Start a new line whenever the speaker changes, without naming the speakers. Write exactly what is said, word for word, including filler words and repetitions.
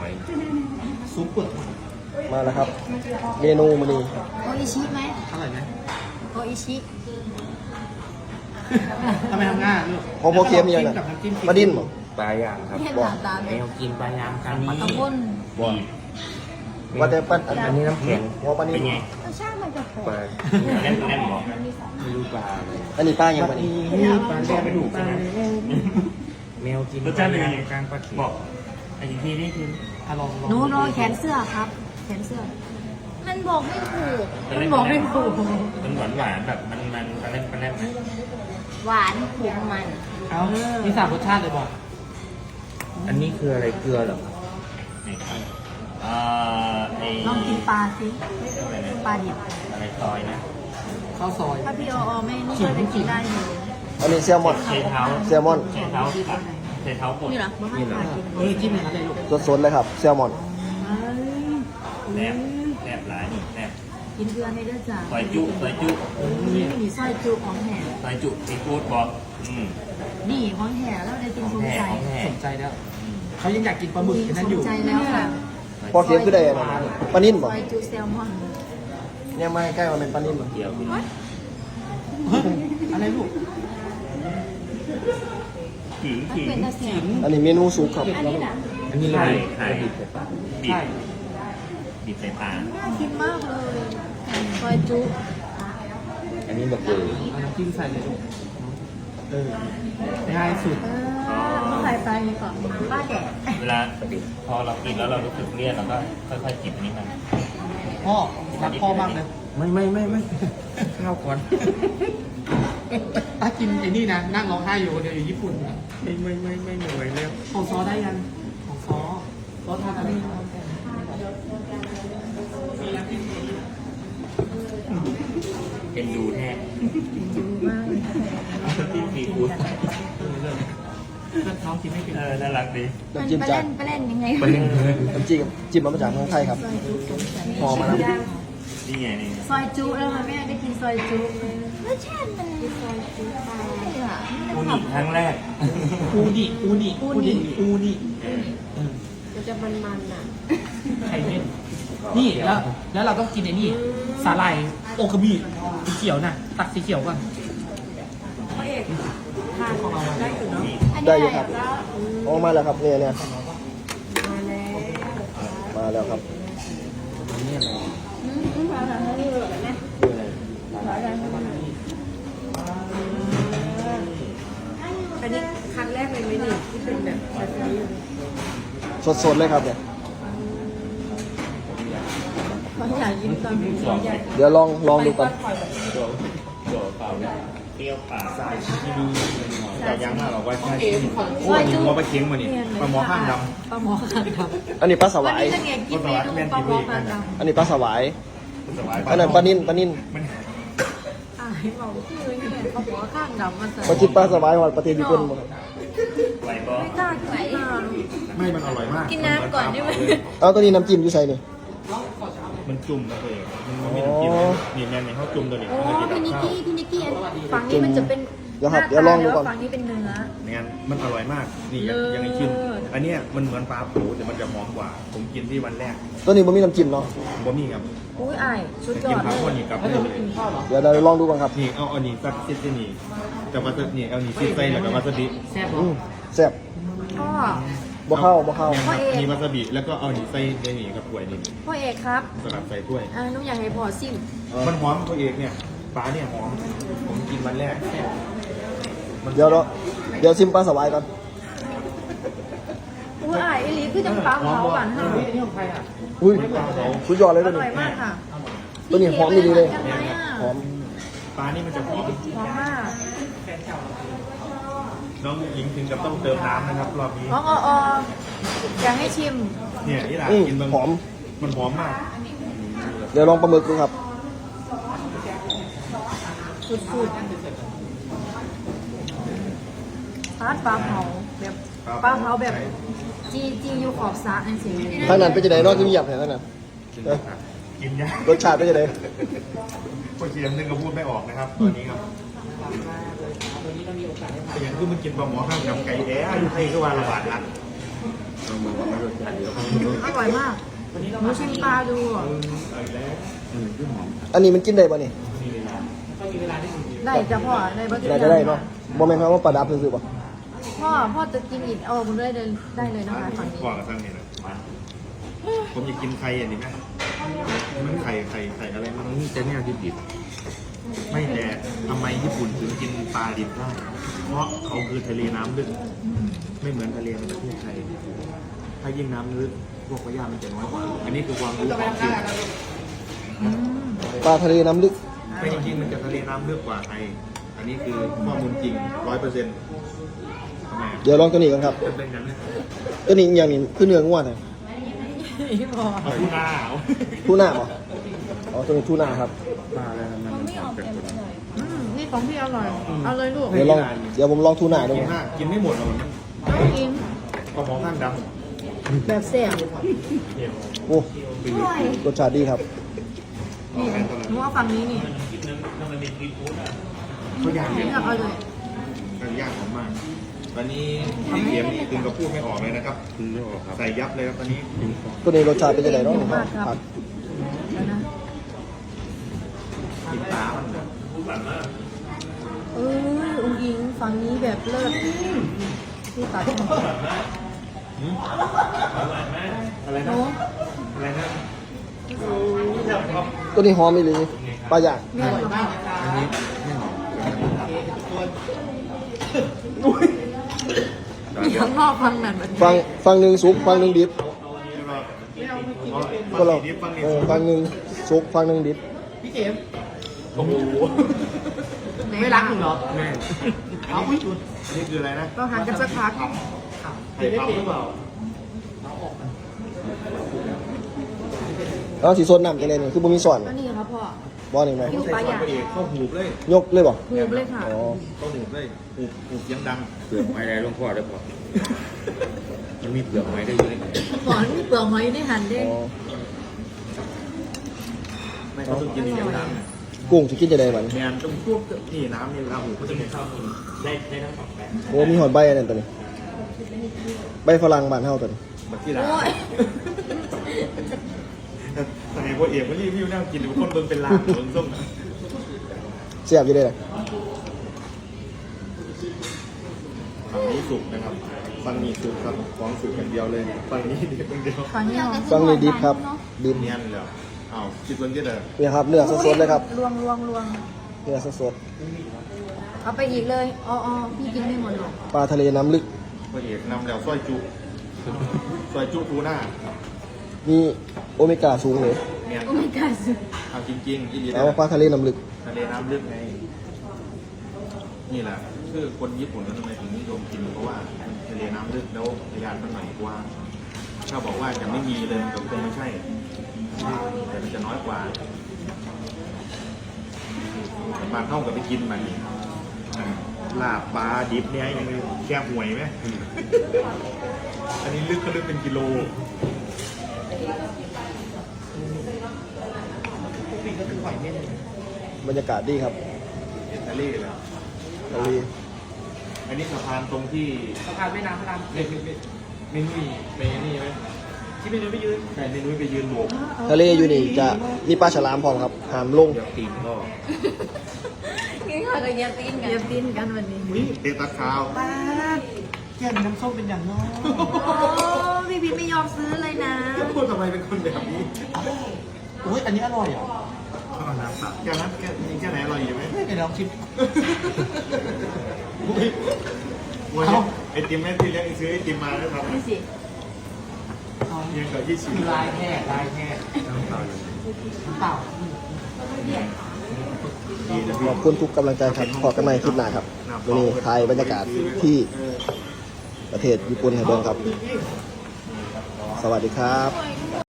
อย
ซุปเปอร์
มาแล้วครับ เมนูมื้อนี้
โออิชิไหม
อร่อยไหม
โออิชิ
ทำไมทำง่ายลูก
พอพอเค็มยัง
กั
น่ะ
บน้ำจิ้ม
ปลาดิ้นบ่
ปลาย่างครับ
เห็นหน้าตา
แม
เนี่ยว
กินปลาย่างกันนี้
ตะกุน
บ่ว่าแต่ปั้นอัน
อันนี้น้ำแข็ง
หัวปลานิ่
เป็น
ม
ไง
รสชาติมันจะหอม
ปลาแน่นแน่นบอกไม่รู้ปลาอะไร
อันนี้ป้ายังปลานิ่ม
นี่ปลาแดงไปดูใช่ไหมแมวกิน
รสชาติเป็นยังไง
กลางปลาเข็ม
บอกไอ้ทีนี่คือ
อ่ะลองลอง
หนูรอแขนเสื้อครับ แขนเสื้อ มันบอกไม่ถูก มันบอกไม่ถูก
มันหวานหวานๆแบบมันมันปลาเล่นปลาเล่น
หวานขมมัน
เอามีสามรสชาติเลยบอก
อันนี้คืออะไรเกลือเหรอ
นี่ครับเอ่อไอ้
ลองกินปลาสิ
อะไรนะ
ปลาดิบ
อะไรซอยนะ
ข้าวซอย
ถ้าพี่ออไม่นี่ก็จะกินได้อยู่
อันนี้แซลมอน
เชเท้า
แซลมอน
เชเท้าตัดเชเท้าบด
นี่เหรอมาให้ปลากิน
เออจิ้มอย่างนั้นเลยลูก
สดๆเลยครับแซลมอน
แนบแนบหลายนี่แนบ
กินเกลือในเลือดจ้า
ซอยจุซอยจุ
นี่มีสร้อยจุของแห่
ซอยจุซีฟู้ดบอกอืม
นี่ของแห่แล้วได้กิน
ของ
ภูมิ
แท้
ใจ
ของแท้
สนใจแล้วเขายังอยากกินปลาหมึกกันนั้นอยู่
สนใจแล้วค่ะ
พอเค็มคือได้อันนั้นปลานิ่ม
ซ
บ่
อยจุแซลมอน
เนี่ยมาใกล้มาเป็นปลานิ่มบ่
เกี่ยวกิน
เฮ้ยอะไรลูก
ถึง
มัน
ถึง
เป็นตะเสียง
อันนี้เมนูสุกครับ
อันนี้นะ
อันนี้เรา
ไข่
บีบ
ไข่
บีบใส่ปาก
บี
ใช่
บบีบใส่ปลา
น่ากินมากเลยซอยจุ
อันนี้แบบเกลือ
เอาน้ำจิ้มใส่เลยลูกเออง่ายสุด
เออต้องใส่ปลาอย่างนี้ก่อนป้าแดด
เวลาพอเรากินแล้วเรารู้สึกเลี่ยนเราก็ค่อยๆจิบอันนี้มัน
พ่อรักพ่อมากเลย
ไม่ไม่ไม่ไม่ข้าวก่อน
ถ้ากินไอ้นี่นะนั่งร้องไห้อยู่คนเดียวอยู่ญี่ปุ่นนะ
ไม่ไม่ไม่ไม่ไม่ไหวแล้ว
ของซอได้ยังของซอซอทานอะไร
เป็นดูแท้
ดูมากเลย
ที่ซีฟู้ด
เพื่อนน้องกินไม่เป็น
เออน่ารักดี
มัน
น้ำจิ้ม
ไป
จา
เล่
ก
นไปเล่นยังไง
ปลาเล่นเนื้อ
น้ำจิ้มจิ้มมาจากเมืองไทยครับ
ซอยจุสงสัย
พอมาแล้ว
นี่ไงนี่ไง
ซอยจุแล้วมันไม่ได้กินซอยจุรสชาติมันซอยจุอะไรอ่ะ
อูนิครั้งแรก
อูนิอูนิอูนิอูนิ
เออ
เออ
มันจะมันๆอ่ะ
ไข่เม่นนี่แล้วแล้วเราต้องกินไอ้นี่สาหร่ายโอกาบิสีเขียวน่ะตักสีเขียวก่อน
พระเอกทานได้อยู่เนาะ
ได้อยู่ครับออกมาแล้วครับเนี่ยเนี่ย
มาแล้ว
มาแล้วครับ
อันนี้อะไร
อืมอืมมาแล้วนี่เลยนะ
นี่อะไร
อันนี้ครั้งแรกเลยไหมนี่ที่เป็นแบบแบบนี้
สดๆเลยครับเนี่ย
เขาอยากกินตอนนี้อยาก
เดี๋ยวลองลองดูก่อน
ตัวตัวเปล่าเนี่ยเปรี้ยวปาก
สายชีดีแต่ยังมากหรอกว่าใช่โอ้ยหัวปลาเค็งมานี่ปลาหมอข้างดำ
ปลาหมอข้างดำ
อันนี้ปลาส
วัน
วาย
นี้จะไงกินเมนูปลาหมอข้างดำ
อันนี้ปลาสวาย
สบาย
อันนั้นปลานิ่นปลานิ่น
อ่าให้บอกคือเนี่ยปลาหมอข้างดำมาใส่
มากินปลาสวายหอดประเทศญี่ปุ่นบ่ครับ
ไหวบอ
ไม่กล้ากินอ่ะ
ไม่มันอร่อยมาก
กินน้ำก่อนได้ไหม
เอาตัวนี้น้ำจิ้มอยู่ใส่นี่
มันจุ่มนะตัวเองมันไม่ต้องกินนี่แม่ในเขาจุ่มตัวนี้
โอ้
มันจะกิน
พี่
กับ
นิก
ข้าว
กี้พี่นิกกี้ฝั่งนี้มันจะเป็น
เดี๋ยวครับเดี๋ยวลองดูก่อน
ฝั่งนี้เป็นเนื้อ
เนี่ยมันอร่อยมากนี่ยังยังไงชิมอันเนี้ยมันเหมือนปลาผูแต่มันจะหอมกว่า ผมกินที่วันแรก
ตัวนี้มันมีน้ำจิ้มเนาะ
บะหมี่ครับ
อุ้ยอายสุด
แต่
ยอ
กิน
ด
ข้าว
เล
คน
ย
นี้กับ
แล้ว
นี่
เธอไม่กินข้าวเหรอ
เดี๋ยวเราลองดูกันครับ
นี่เอาอันนี้ซัดซิดนี่แต่ว่านี่เอานี่ซิดใส่แล้วก็วาซาบิ
แซ่บเหร
อื
อ
มแซ่บ
พ่อ
บ่เข้าบ่เข้า
นี่ครับมีวาซาบิแล้วก็เอานี่ใส่ในนี่กับถ้วยนี่
พ่อเอกครับ
สลัดใส่ถ้วย
อ่าหนุอยากให้พ่อซิม
มันหอมตัวเองเนี่ยปลาเนี่ยหอมผมกินวันแรกมัน
เดี๋ยวเราเดี๋ยวซิมปลาสวายก่อน
อุ้ยอายอีหลีคือจังปลาเผาหวาน
เฮ้
เฮาย
อันนี้ของใครอ่ะ
อุ้ยสุดยอดเลย
อ
ตัวนี้
ร่อยมากค่ะ
ตัวนี้หอมดีเลย
ยังไงอ่ะ
หอม
ปลานี่มันจะหอม
หอมมาก
น้องหญิงถึงกับต้องเติมน้ำนะครับรอบนี้
น้องออออยากให้ชิม
เนี่ยนี่แหละ
อืม
กินมัน
หอม
มันหอมมาก
เดี๋ยวลองปลาหมึกดูครับ
สุดๆปลาปลาเผาแบบปลาเผาแบบจีจีอยู่ขอบสระนั่นสิ
ทางนั้นเป็นจะไหนนอกที่เงียบเห็นทางนั้น
กิน
เอ้ย
ยากกินยาก
รสชาติเป็นจะไหน
คนเชียมนึงก็พูดไม่ออกนะครับตอนนี้ครับแต่อย่างที่มันกินปลาหมอข้างกับไก่แด้อยู่ไทยก็ว่าระบาดละเราเหมือนว่ามันรสชาติเดียวกัน
อร่อยมากหนูชิมปลาดูอ่ะ
อันนี้มันกินได้ป่ะนี่
ได้จะพ่อได้บ่
ได้จะได้เนาะโมเมนต์เขาว่าปลาดับซื้อๆป่ะ
พ่อพ่อจะกินอีกเอาผมได้เลยได้เลยนะคะฝั่งนี้
กว่ากับท่านนี่นะผมอยากกินไข่อันนี้ไหมมันไข่ไข่ไข่อะไรมันนี่จะเนี่ยดิบดิบไม่แต่ทำไมญี่ปุ่นถึงกินปลาดิบได้เพราะเขาคือทะเลน้ำลึกไม่เหมือนทะเลในประเทศไทยถ้ายิ่งน้ำลึกพวกพยามันจะน้อยกว่าอันนี้คือความรู้ของจริง
อืม
ปลาทะเลน้ำลึก
ไม่จริงๆมันจะทะเลน้ำลึกกว่าไทยอันนี้คือข้อมูลจริงร้อยเปอร์เซ็นต์ทำไม
เดี๋ยวลองตัวนี้กันครับ
เป็นอย่างนี้
ตัวนี้อย่างนี้คือเนื้อง่วนเลย
พ่อ
เอาผู้หน้าเอา
ทูน่าป่ะอ๋อตัวนี้ทูน่าครับ
มาแล้วมัน
อืมนี่ของพี่อร่อยเอาเลยลูก
เดี๋ยวลองเดี๋ยวผมลองทูน่าดู
กินมากกินไม่หมดหรอก
ต้องกิน
กระเพาะข้างด
แบบแซ่บ
โอ้
อร่อย
รสชาติดีครับ
นี่หนูเอาฝั่งนี้นี่
ำเขาอยาก
นี่
เนี่ย
เอาเลย
มันยากของมากตอนนี้พี่เขียมนี่ถึงกับพูดไม่ออกเลยนะครับใส่ยับเลยครับตอนนี้
ตัวนี้รสชาติเป็นยังไงเนาะครับ
เดี๋ยวนะ
กินตามันเลย
เอออุ้งอิงฝั่งนี้แบบเลิศพี่ตัด
หืมอะไร
โน้
นะอะไรนะ
ตัวนี้หอมอีหลีปลาย่าง
แม่อร่อยมาก
อันนี้ไม่หอม
ข้างนอกฟังแบบแบบ
ฟังฟังหนึ่งสุกฟังหนึ่งดิบ
ก็
ก็
เรา
เรา
ฟังนี่
เออฟังหนึ่งสุกฟังหนึ่งดิบ
พี่เข็ม
โอ้โห
ไม่รักหนูเหรอ
แม่
เอาอุ้ยจุด
นี่คืออะไรนะ
เราห่างกันสักพัก
ไข่ปั๊มหรือเปล่า
แล้วสีโซนน้ำจะเลยนี่คือบ่มีส่วน
ก็นี่ครับพ่อ
บ่นี่ไหม
ยู
ใส่
ปลา
ซอ
ใหญ่
สไปเอกเข้าหูบเลย
ยกเลยบ่
หูบเลยค่ะ
อ๋อ
เข้าหูบเลยหูบหูบเสียงดัง
เปลือกไม้ได้หลวงพ่อได้พอมันมีเปลือกไม้ได้อยู่ใน
หอนเปลือกหอยได้หั่นได้
อ๋อ
ไม่เขาต้องกินเสียงดัง
กุ้งจะกินจะได้มัน
แมนต้องพวกนี่น้ำนี่เวลาหูเขาจะมีข้าว
ได้ได้ทั้งสองแบบ
โอ้มีหอดใบอันนั้นตัวนี้ใบฝรั่งบ้านเฮาตัวนี้
มาที่ร้าน
โอ้ย
แต่ไอ้พวกเอกมันรีวิวนั่งกินทุกคนเบิ่งเป็นลางเบิ่งส้ม
เสียบอยู่ได้เลย
ฝั่งนี้สุกนะครับฝั่งนี้สุกครับของสุกอย่างเดียวเลยฝั่งนี้เดียวคนเดียว
ฝั่งนี้เอา
ฟังนี่ดิบครับดิบ
เนียนเลยอ้าวคิดวันที่เด้อ
เนี่ยครับเนื้อสดๆเลยครับ
ลวงลวงลวง
เนื้อสด
เอาไปอีกเลยอ๋ออ๋อพี่กินไม่หมดหรอก
ๆปลาทะเลน้ำลึก
พระเอกนำแล้วซอยจุซอยจุทูน่า
มีโอเมก้าสูงเลย
เนียน
โอ้ my god
เอาจริงๆอีหลี
แล้วปลาทะเลน้ำลึก
ทะเลน้ำลึกไงนี่แหละคือคนญี่ปุ่นทำไมถึงนิยมกินเพราะว่าทะเลน้ำลึกแล้วพยานมันหน่อยกว่าถ้าบอกว่าจะไม่มีเลยมันก็คงไม่ใช่แต่มันจะน้อยกว่าบางเท่ากับไปกินมันนี่ลาบปลาดิบเนี่ยยังแค่ห่วยไหม อันนี้ลึกก็ลึกเป็นกิโล
บรรยากาศดีครับ
อิตาลีเลย
ทะเล
อันนี้สะพานตรงที่
สะพานแม่น้ำพระราม
ไม่ไม่ไม่ไม่นุ้ยไปนี่ไหม
ที่ไม่ยืนไม่ยืน
ใช่ไม่นุ้ยไปยืนโบก
ทะเลอยู่นี่จะมีปลาฉลามพร้อมครับหามลง
เดี๋ยวตีนก็
งี้ค่ะก็เยียบตีนกันเยียบตีนกันวันนี้
อุ้ยเตะตัดขาว
ป้าแก้มน้ำส้มเป็นอย่างน้อย
โอ้พี่พีทไม่ยอมซื้อเลยนะ
พูดทำไมเป็นคนแบบนี้
อุ้ยอันนี้อร่อยเหรอ
ข้าวน้ำสับแค่นั้นแค่นี้แค่ไหนอร่อยอยู่ไหม
ไม่เป็นลองชิม
อุ้ยวันนี้ไอติมแม่ที่เลี้ยงซื้อไอติมมาแล้วครับ
นี่สิ
เลี้ยงกับยี่สิบ
ลายแค่ลายแค่น้ำเปล่าน้ำเปล่า
ดีนะ
ขอบคุณทุกกำลังใจครับขอกันใหม่คลิปหน้าครับวันนี้ถ่ายบรรยากาศที่ประเทศญี่ปุ่นให้เบิ่งครับ สวัสดีครับ
โอ้ย